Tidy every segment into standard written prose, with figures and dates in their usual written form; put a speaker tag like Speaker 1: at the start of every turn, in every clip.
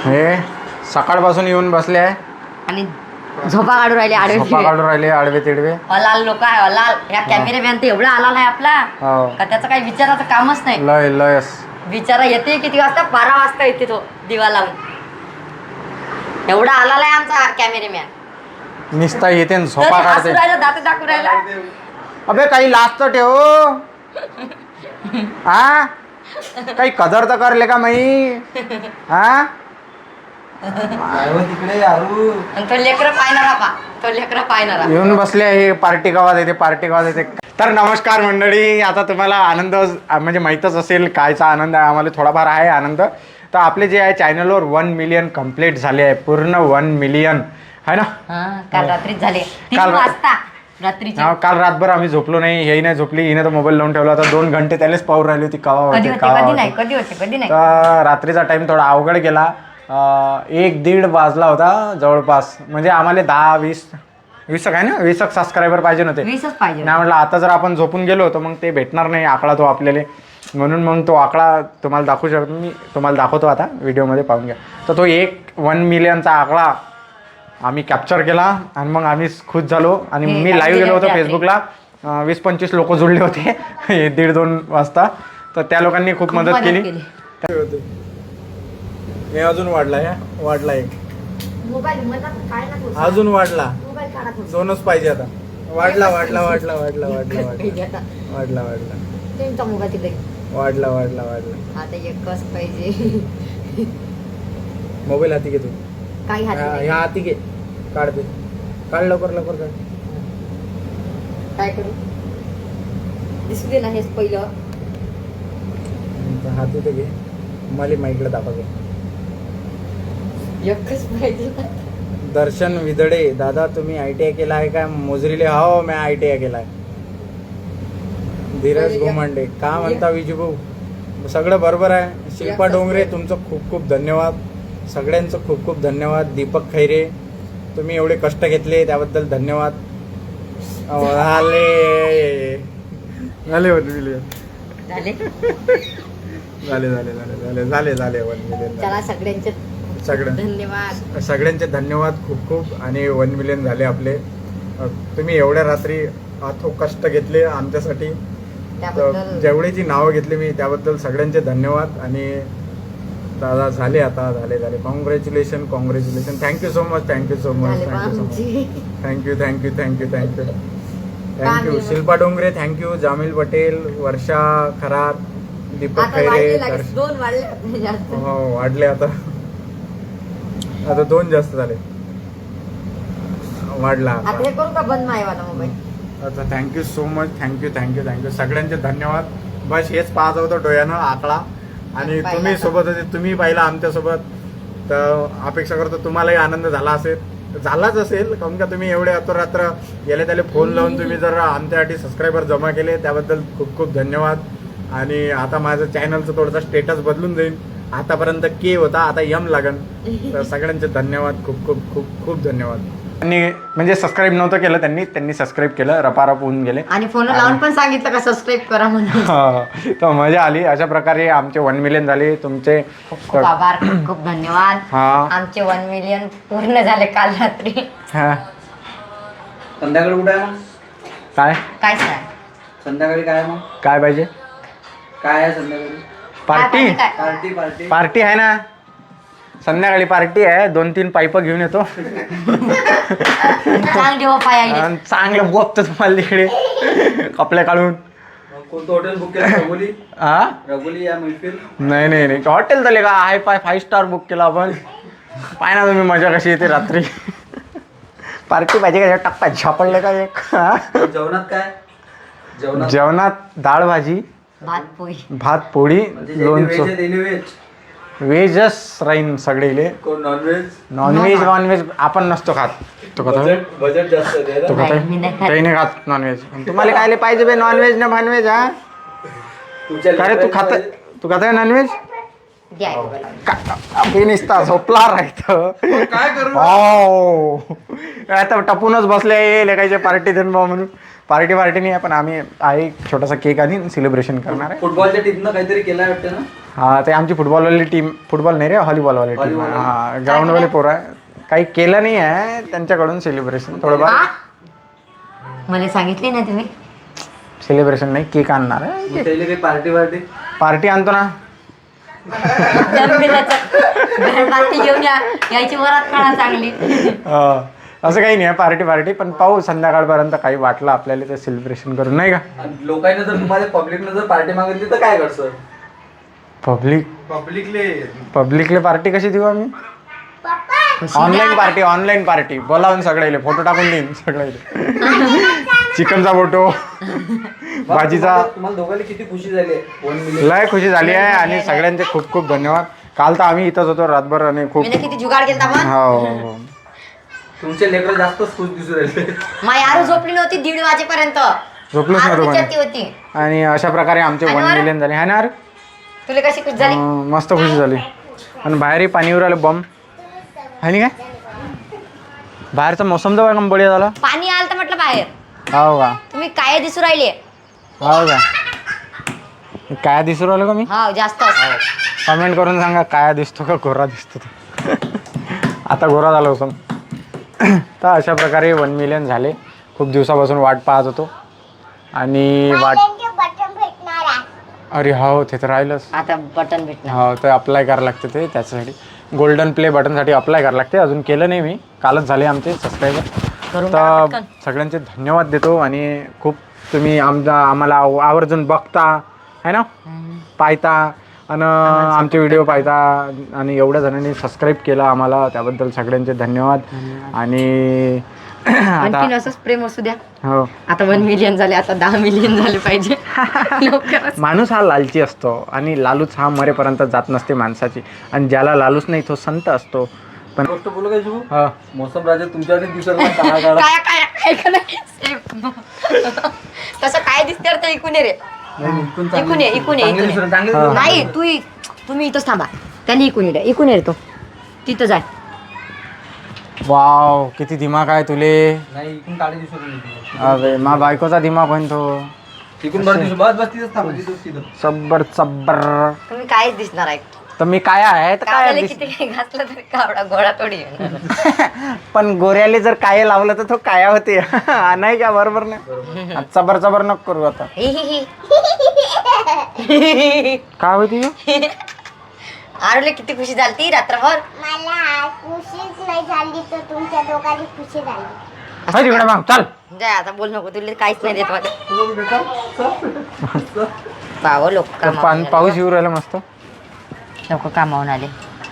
Speaker 1: हे सकाळपासून येऊन बसले आहे
Speaker 2: आणि झोपा काढून राहिले
Speaker 1: आडवे तिडवे.
Speaker 2: अलाल लोक आहे अलाल. या कॅमेरामॅन तर एवढा आलाल आहे आपला
Speaker 1: हो
Speaker 2: का त्याचं काही विचाराचं कामच नाही.
Speaker 1: लयस
Speaker 2: विचारा येते किती वाजता 12 वाजता येते तो दिवा लावून. एवढा आलाल आहे आमचा कॅमेरामॅन.
Speaker 1: निस्ता येते न झोपा काढते.
Speaker 2: दात दाखवू राहिला.
Speaker 1: अबे काही लाज तर ठेव हा. काही कदर तर करले का माई हा.
Speaker 3: तिकडे यारू
Speaker 2: आणि तो लेकरं पाहणारा पा तो लेकरं पाहणारा
Speaker 1: येऊन बसले आहे. पार्टी गावात येते. तर नमस्कार मंडळी. आता तुम्हाला आनंद म्हणजे माहीतच असेल कायचा आनंद आहे. आम्हाला थोडाफार आहे आनंद. तर आपले जे आहे चॅनलवर 1 मिलियन कंप्लीट झाले आहे. पूर्ण 1 मिलियन आहे ना.
Speaker 2: काल रात्रीच झाले 3
Speaker 1: काल
Speaker 2: वाजता रात्रीचे.
Speaker 1: काल रातभर आम्ही झोपलो नाही. हेही नाही झोपली. हिने तर मोबाईल लावून ठेवला होता. 2 घंटे त्यालाच पाहून राहिली होती कधी नाही. तर रात्रीचा टाइम थोडा अवघड गेला. 1-1:30 वाजला होता जवळपास. म्हणजे आम्हाला 10-20 काय ना 20 सबस्क्रायबर पाहिजे होते.
Speaker 2: 20च पाहिजे.
Speaker 1: नाही म्हटलं आता जर आपण झोपून गेलो तर मग ते भेटणार नाही आकडा तो आपल्याला. म्हणून मग तो आकडा तुम्हाला दाखवू शकतो. मी तुम्हाला दाखवतो आता व्हिडिओमध्ये पाहून घ्या. तर तो 1 मिलियनचा आकडा आम्ही कॅप्चर केला आणि मग आम्ही खुश झालो. आणि मी लाईव्ह गेलो होतो फेसबुकला. 20-25 लोक जुळले होते 1:30-2 वाजता. तर त्या लोकांनी खूप मदत केली. हे अजून वाढला एक अजून वाढला. 2च पाहिजे आता. वाढला
Speaker 2: आता एकच पाहिजे.
Speaker 1: मोबाईल हाती घे तू.
Speaker 2: काही
Speaker 1: ह्या हाती घे. काढ लवकर काढ.
Speaker 2: काय करू दिसू दे ना हेच पहिलं.
Speaker 1: हाती तर घे. मला माईकडे दाखव.
Speaker 2: एकच पाहिजे.
Speaker 1: दर्शन विदडे दादा तुम्ही ITI केला आहे का मोजरीले. हो मी ITI केला आहे. धीरज गोमांडे का म्हणता विजूभाऊ सगळं बरोबर आहे. शिल्पा डोंगरे तुमचं खूप खूप धन्यवाद. सगळ्यांचं खूप खूप धन्यवाद. दीपक खैरे तुम्ही एवढे कष्ट घेतले त्याबद्दल धन्यवाद. झाले 1 मिलियन. सगळ्यांचे धन्यवाद खूप खूप. आणि 1 मिलियन झाले आपले. तुम्ही एवढ्या रात्री अथक कष्ट घेतले आमच्यासाठी. जेवढीची नावं घेतली मी त्याबद्दल सगळ्यांचे धन्यवाद. आणि दादा झाले आता झाले. Congratulation. Thank you so much. Thank you Shilpa Dongre. Thank you Jamil Patel, Varsha Kharat, Deepak Khaire. हो वाढले आता 2 जास्त झाले. वाढला आता. Thank you so much. थँक्यू सगळ्यांचे धन्यवाद. बस हेच पाहत होतं डोळ्यानं आकडा. आणि तुम्ही सोबत होते. तुम्ही पाहिला आमच्यासोबत. तर अपेक्षा करतो तुम्हालाही आनंद झालाच असेल. काऊन का तुम्ही एवढे अतोरात्र गेले त्याला फोन लावून तुम्ही जर आमच्यासाठी सबस्क्रायबर जमा केले त्याबद्दल खूप खूप धन्यवाद. आणि आता माझं चॅनलचं थोडंसं स्टेटस बदलून जाईल. आतापर्यंत के होता आता यम लागन. तर सगळ्यांचे धन्यवाद. खूप धन्यवाद. त्यांनी म्हणजे सबस्क्राईब नव्हतं केलं त्यांनी सबस्क्राईब केलं. रपारप होऊन गेले.
Speaker 2: आणि फोन लावून पण सांगितलं का सबस्क्राईब करा म्हणून.
Speaker 1: तर मजा आली. अशा प्रकारे आमचे 1 मिलियन झाले. तुमचे
Speaker 2: खूप आभार. खूप धन्यवाद. आमचे 1 मिलियन पूर्ण झाले काल रात्री.
Speaker 3: संध्याकाळी कुठे आहे मग
Speaker 1: काय
Speaker 3: संध्याकाळी काय मग
Speaker 1: काय पाहिजे.
Speaker 3: काय आहे संध्याकाळी.
Speaker 1: पार्टी आहे ना. संध्याकाळी पार्टी आहे. 2-3 पाईप घेऊन येतो. चांगलं बोलतो तुम्हाला तिकडे कपडे काढून.
Speaker 3: कोणतं हॉटेल बुक केलं. रघुली या मैफिल.
Speaker 1: नाही हॉटेल झाले का. 5 स्टार बुक केला आपण. पाय ना तुम्ही मजा कशी येते रात्री. पार्टी पाहिजे का. टप्पा झापडले का एक.
Speaker 3: जेवणात काय.
Speaker 1: जेवणात डाळ भाजी भात पोळी लोणचं. व्हेजच राहीन सगळे. नॉनव्हेज आपण नसतो खात.
Speaker 3: बजेट जास्त
Speaker 1: काही नाही खात नॉनव्हेज. तुम्हाला काय पाहिजे बे नॉनव्हेज ना नॉनव्हेज. अरे तू खात नॉनव्हेज. निसता झोपला राहत.
Speaker 3: काय करू.
Speaker 1: आता टपूनच बसले कायचे पार्टी देऊन म्हणून. पार्टी नाही आहे पण आम्ही आहे छोटासा केक आणि सेलिब्रेशन करणार आहे.
Speaker 3: फुटबॉलच्या टीमनं काहीतरी केलं वाटतं ना.
Speaker 1: हा ते आमची फुटबॉलवाली टीम, फुटबॉल नाही रे व्हॉलीबॉलवाली टीम, हा ग्राउंडवाली पोरं आहे. काही केलं नाही आहे त्यांच्याकडून सेलिब्रेशन, थोडंफार
Speaker 2: हा? मला सांगितली ना तुम्ही.
Speaker 1: सेलिब्रेशन नाही, केक आणणार आहे,
Speaker 3: त्याला काही पार्टी
Speaker 1: पार्टी आणतो ना.
Speaker 2: बाती घेऊन यायची वरात काढा चांगली.
Speaker 1: असं काही नाही आहे पार्टी, पण पाहू संध्याकाळपर्यंत काही वाटलं आपल्याला तर सेलिब्रेशन करू, नाही का.
Speaker 3: लोकांना जर तुम्हाला पब्लिकनं जर पार्टी मागितली तर काय करसं?
Speaker 1: पब्लिकले पार्टी कशी देऊ आम्ही? ऑनलाईन पार्टी बोलावून सगळ्याले फोटो टाकून देईन सगळ्याले. चिकनचा फोटो, भाजीचा.
Speaker 3: तुम्हाला दोघांना किती खुशी झाली आहे?
Speaker 1: लय खुशी झाली आहे आणि सगळ्यांचे खूप खूप धन्यवाद. काल तर आम्ही इथंच होतो रातभर आणि खूप
Speaker 2: मी किती जुगाड केलता पण.
Speaker 1: हो.
Speaker 3: तुमचे लेकरं जास्तच खुश दिसू राहिले.
Speaker 2: माझी आरू झोपली नव्हती 1:30 वाजेपर्यंत.
Speaker 1: झोपलोच
Speaker 2: आरू
Speaker 1: नव्हतो
Speaker 2: विचारती
Speaker 1: कोणी.
Speaker 2: होती.
Speaker 1: आणि अशा प्रकारे आमचे 1 मिलियन झाले है ना यार.
Speaker 2: तुला कशी खुश झाली?
Speaker 1: मस्त खुशी झाली. आणि बाहेरही पाणीवर आलं बम आहे काय. बाहेरचा मोसम तर एकदम बढिया झाला.
Speaker 2: पाणी आलं तर म्हटलं बाहेर.
Speaker 1: हो का.
Speaker 2: तुम्ही काय दिसू राहिले?
Speaker 1: हो का. काय दिसू राहिलो का मी?
Speaker 2: हा जास्त.
Speaker 1: कमेंट करून सांगा काय दिसतो का गोरा दिसतो तो. आता गोरा झालो होतो. तर अशा प्रकारे 1 मिलियन झाले. खूप दिवसापासून वाट पाहत होतो आणि अरे हो ते तर राहिलंच.
Speaker 2: आता बटन भेटणार.
Speaker 1: हो तर अप्लाय करावं लागतं ते, त्याच्यासाठी गोल्डन प्ले बटनसाठी अप्लाय करावं लागते. अजून केलं नाही मी, कालच झाले आमचे सबस्क्रायबर. तर सगळ्यांचे धन्यवाद देतो आणि खूप तुम्ही आम्हाला आवर्जून बघता है ना, पाहता आणि आमचे व्हिडिओ पाहता आणि एवढ्या जणांनी सबस्क्राईब केलं आम्हाला, त्याबद्दल सगळ्यांचे धन्यवाद. आणि
Speaker 2: आणखीन असंच प्रेम असू द्या.
Speaker 1: हो
Speaker 2: आता 1 मिलियन झाले, आता 10 मिलियन झाले पाहिजे.
Speaker 1: माणूस हा लालची असतो आणि लालूच हा मरेपर्यंत जात नसते माणसाची. आणि ज्याला लालूच नाही तो संत असतो. पण
Speaker 3: गोष्ट बोलू काय शिवू?
Speaker 1: हा
Speaker 3: मोसम राजा तुमच्याकडे दिसत नाही. काळा काळा.
Speaker 2: तसं काय दिसते तर ऐकून ये रे. इकून ये. नाही तुम्ही इथंच थांबा. त्यांनी इकून ये, इकून ये रे. तो तिथं जाय.
Speaker 1: वाव किती दिमाग आहे तुले.
Speaker 3: नाही इकडून काळे दिसत नाही.
Speaker 1: अरे मा बायकोचा दिमाग पण तो
Speaker 3: इकडून बरं दिसू. बस तिथंच थांबा, तिथं.
Speaker 1: चब्बर.
Speaker 2: तुम्ही कायच दिसणार आहे.
Speaker 1: तर मी काय आहे तर काय
Speaker 2: कावड्याला किती काही घातलं तरी कावडा गोळा थोडी येणार.
Speaker 1: पण गोऱ्याले जर काय लावलं तर तो काया होते. नाही का, बरोबर नाही. चबर नको करू आता. काय होती
Speaker 2: आरुले किती खुशी झाली ती रात्रभर.
Speaker 4: मला खुशीच नाही झाली तर तुमच्या दोघांनी खुशी झाली.
Speaker 1: तिकडे मग चल.
Speaker 2: जाय आता, बोल नको. तुला काहीच नाही देत मला. पाव लोक
Speaker 1: पाऊस येऊ राहिला मस्त.
Speaker 2: लोक कामावून आले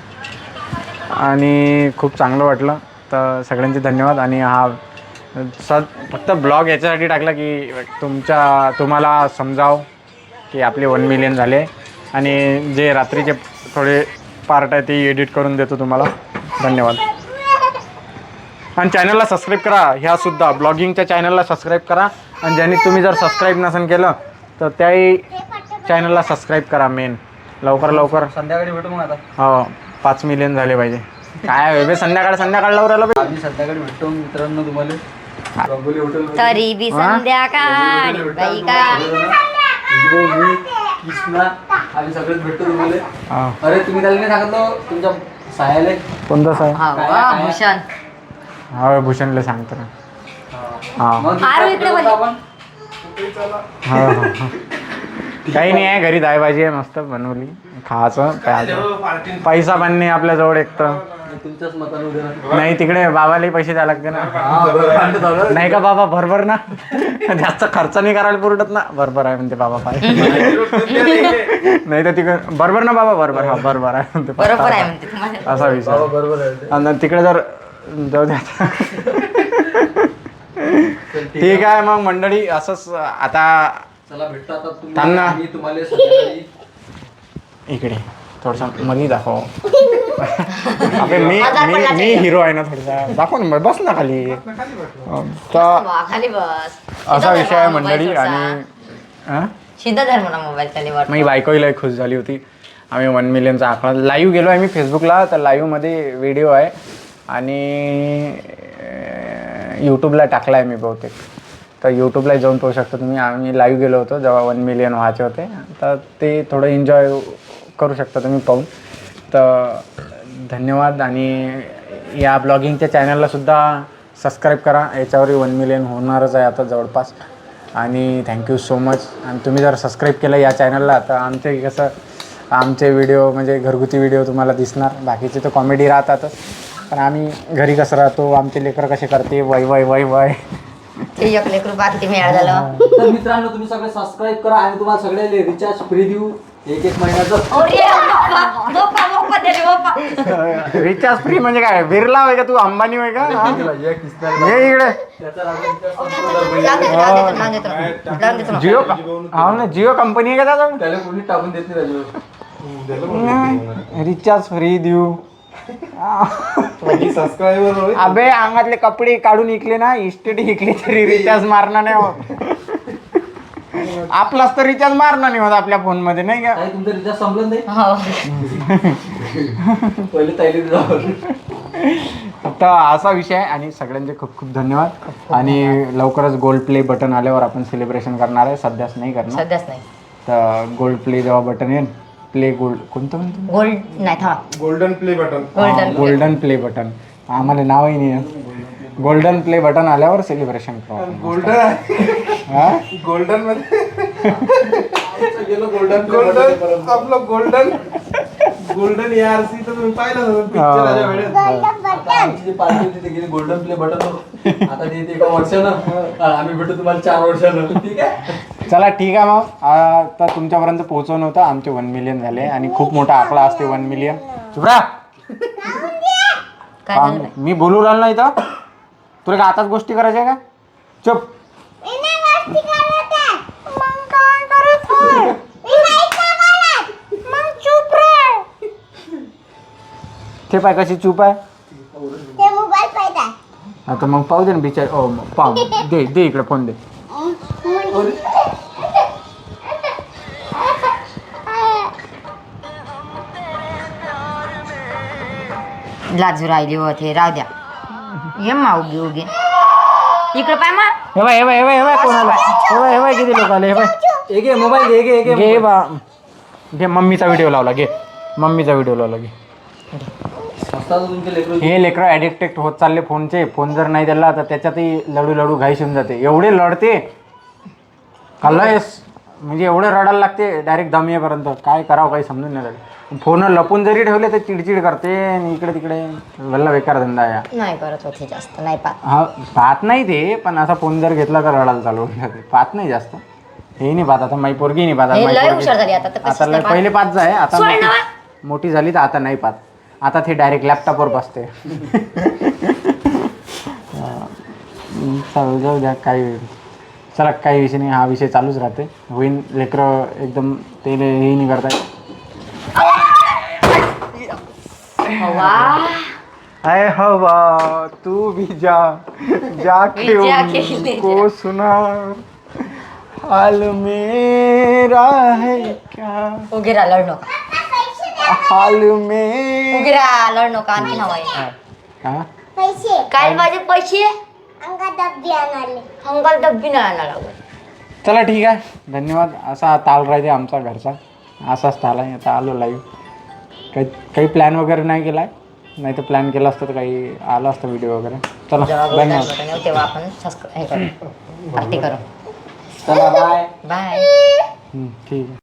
Speaker 1: आणि खूप चांगलं वाटलं. तर सगळ्यांचे धन्यवाद. आणि हा फक्त ब्लॉग याच्यासाठी टाकला की तुम्हाला समजाव की आपले 1 मिलियन झाले. आणि जे रात्रीचे थोडे पार्ट आहे ते एडिट करून देतो तुम्हाला. धन्यवाद. आणि चॅनलला सबस्क्राईब करा. ह्यासुद्धा ब्लॉगिंगच्या चॅनलला सबस्क्राईब करा. आणि ज्यांनी तुम्ही जर सबस्क्राईब नसेल केलं तर त्याही चॅनलला सबस्क्राईब करा. मेन लवकर
Speaker 3: संध्याकाळी भेटू मग आता.
Speaker 1: हो 5 मिलियन झाले पाहिजे. काय बे संध्याकाळ लावून
Speaker 3: आम्ही संध्याकाळी भेटतो मित्रांनो तुम्हाला. रंगोली हॉटेल
Speaker 2: तरी बी संध्याकाळ बाई का.
Speaker 3: कृष्णा आम्ही सगळेच भेटतो तुम्हाला.
Speaker 1: हा.
Speaker 3: अरे तुम्ही त्याला नाही सांगितलं तुमच्या सायाले.
Speaker 1: कोणतं सर?
Speaker 2: हा भूषण.
Speaker 1: हा भूषणला सांगतो ना. हा
Speaker 3: मग
Speaker 2: आरू इकडे बोल.
Speaker 3: आपण
Speaker 1: हा. काही नाही आहे, घरी दाय भाजी आहे मस्त बनवली, खायचं प्यायचं. पैसा पण नाही आपल्याजवळ एक तर.
Speaker 3: तुमच्याच मताने उद्या
Speaker 1: नाही तिकडे बाबालाही पैसे द्यावे लागते ना. नाही का बाबा बरोबर ना. जास्त खर्च नाही करायला पुरटत ना. बरोबर आहे म्हणते बाबा पाय. नाही तर तिकडे बरोबर ना बाबा. बरोबर हा बरोबर आहे म्हणते.
Speaker 2: बरोबर आहे म्हणते तुम्हाला.
Speaker 1: असा विषय.
Speaker 3: बरोबर आहे.
Speaker 1: आणि तिकडे जर जाऊ द्या. ठीक आहे मग मंडळी, असंच आता
Speaker 3: चला भेटतो आता
Speaker 1: थांब ना.
Speaker 3: मी तुम्हाला संध्याकाळी
Speaker 1: इकडे थोडसा मध्ये दाखव. अबे मी हिरो आहे ना थोडासा. दाखव ना बस ना खाली. तर
Speaker 2: खाली बस.
Speaker 1: असा विषय आहे मंडळी. आणि
Speaker 2: सिद्ध धर्म ना मोबाईल खाली वर.
Speaker 1: माझी बायकोही लय खुश झाली होती. आम्ही 1 मिलियनचा आकडा लाईव्ह गेलो आहे मी फेसबुकला. तर लाईव्हमध्ये व्हिडिओ आहे आणि यूट्यूबला टाकला आहे मी बहुतेक. तर यूट्यूबला जाऊन पाहू शकता तुम्ही. आम्ही लाईव्ह गेलो होतो जेव्हा 1 मिलियन व्हायचे होते. तर ते थोडं एन्जॉय करू शकता तुम्ही पाहून. तर धन्यवाद. आणि या ब्लॉगिंगच्या चॅनललासुद्धा सबस्क्राईब करा. याच्यावरही 1 मिलियन होणारच आहे आता जवळपास. आणि थँक्यू सो मच. आणि तुम्ही जर सबस्क्राईब केलं या चॅनलला तर आमचे व्हिडिओ म्हणजे घरगुती व्हिडिओ तुम्हाला दिसणार. बाकीचे तर कॉमेडी राहतातच, पण आम्ही घरी कसं राहतो, आमचे लेकरं कसे करते वय वय वय वय
Speaker 2: ते एक लेकरू बा किती मिळालं झालं.
Speaker 3: तर मित्रांनो तुम्ही सगळे सबस्क्राईब करा आणि तुम्हाला सगळे रिचार्ज फ्री देऊ 1 महिन्याचं.
Speaker 1: रिचार्ज फ्री म्हणजे काय? बिर्ला होय का तू? अंबानी होय का? ये इकडे. जिओ हा ना, जिओ कंपनी आहे का त्याचा?
Speaker 3: त्याला कोणी टाकून देत नाही राजू.
Speaker 1: रिचार्ज फ्री देऊ.
Speaker 3: सबस्क्रायबर
Speaker 1: अबे अंगातले कपडे काढून इकले ना, इस्टेट इकले तरी रिचार्ज मारणार नाही होत. आपलाच तर रिचार्ज मारणार नाही होत आपल्या फोन मध्ये, नाही का?
Speaker 3: तुमचं रिचार्ज संपलं नाही
Speaker 2: हो.
Speaker 3: पहिले ताईले जाऊ.
Speaker 1: फक्त असा विषय आहे. आणि सगळ्यांचे खूप खूप धन्यवाद. आणि लवकरच गोल्ड प्ले बटन आल्यावर आपण सेलिब्रेशन करणार आहे. सध्याच नाही करणार.
Speaker 2: सध्याच नाही.
Speaker 1: तर गोल्ड प्ले जेव्हा बटन येईल, प्ले गोल्ड कोणतं म्हणतो?
Speaker 2: गोल्ड नाही थांबा.
Speaker 5: Golden play button.
Speaker 1: Golden play button. आम्हाला नावही नाही. गोल्डन प्ले बटन आल्यावर सेलिब्रेशन करू आपण.
Speaker 5: गोल्डन मध्ये गेलो. गोल्डन आपलं गोल्डन ARC तर तुम्ही पाहिलं पिक्चर आल्या वेळेस.
Speaker 3: आमची जी पार्टी होती ते गेली गोल्डन प्ले बटन. आता ते 1 वर्षानं आम्ही भेटू तुम्हाला 4 वर्षानं. ठीक आहे.
Speaker 1: चला ठीक आहे मग. आता तुमच्यापर्यंत पोहोचवणं होतं. आमचे 1 मिलियन झाले आणि खूप मोठा आकडा असते 1 मिलियन. चुपरा,
Speaker 2: काय झालं बाई?
Speaker 1: मी बोलू राहिलो नाही तर तुला का आताच गोष्टी करायच्या का? चुप. ते पाय कशी चूप आहे. आता मग पाहू दे ना बिचार. पाहू दे इकडे फोन दे.
Speaker 2: लाजू राहिली होते. राहू द्या. ये मा उगी इकडे पाय मा.
Speaker 1: हे बाय कोणाला? हे बाय किती लोक आले. हे बाय
Speaker 3: एक मोबाईल
Speaker 1: घे बा. घे मम्मीचा व्हिडिओ लावला. घे मम्मीचा व्हिडिओ लावला. घे.
Speaker 3: तुमचे लेकरू
Speaker 1: हे लेकरं ॲडिक्टेड होत चालले फोनचे. फोन जर नाही दिला तर त्याच्यातही लडू घाईश होऊन जाते. एवढे लढते कलयस, म्हणजे एवढे रडायला लागते डायरेक्ट दमियेपर्यंत. काय करावं काही समजून नाही राहिलं. फोन लपून जरी ठेवले तर चिडचिड करते आणि इकडे तिकडे वल्ला बेकार धंदा आहे.
Speaker 2: नाही करत होते जास्त. नाही पाहत.
Speaker 1: हा पाहत नाही ते, पण असा फोन जर घेतला तर रडायला चालू होऊन जाते. पाहत नाही जास्त. हे नाही पाहत. आता माई पोरगी नाही पाहत.
Speaker 2: हे लय हुशार झाली आता. तर कशीच नाही
Speaker 1: पहिले
Speaker 2: पाहत.
Speaker 1: पाच आहे. आता
Speaker 2: सोड ना.
Speaker 1: मोठी झाली तर आता नाही पाहत. आता ते डायरेक्ट लॅपटॉपवर बसते. जाऊ द्या काही. चला काही विषय नाही. हा विषय चालूच राहते. होईन. लेकरं एकदम ते हे नाही करताय. अरे हवा तू भी जाके उनको सुना हाल मेरा है क्या.
Speaker 2: उगे राहा. लढ नका.
Speaker 1: हाल में
Speaker 2: उगे राहा. लढ नका. आणखी हवाय काय माझे पैसे हंगाल डब्बी नाही आणायला लागत.
Speaker 1: चला ठीक आहे. धन्यवाद. असा ताल राहते आमचा घरचा. असाच ताल आहे. आता आलो लाईव्ह. काही प्लॅन वगैरे नाही केला आहे. नाही तर प्लॅन केला असतं तर काही आलं असतं व्हिडिओ वगैरे. चला धन्यवाद.
Speaker 2: तेव्हा आपण सबस्क्राईब करू. पार्टी करू.
Speaker 3: चला बाय.
Speaker 2: बाय.
Speaker 1: ठीक आहे.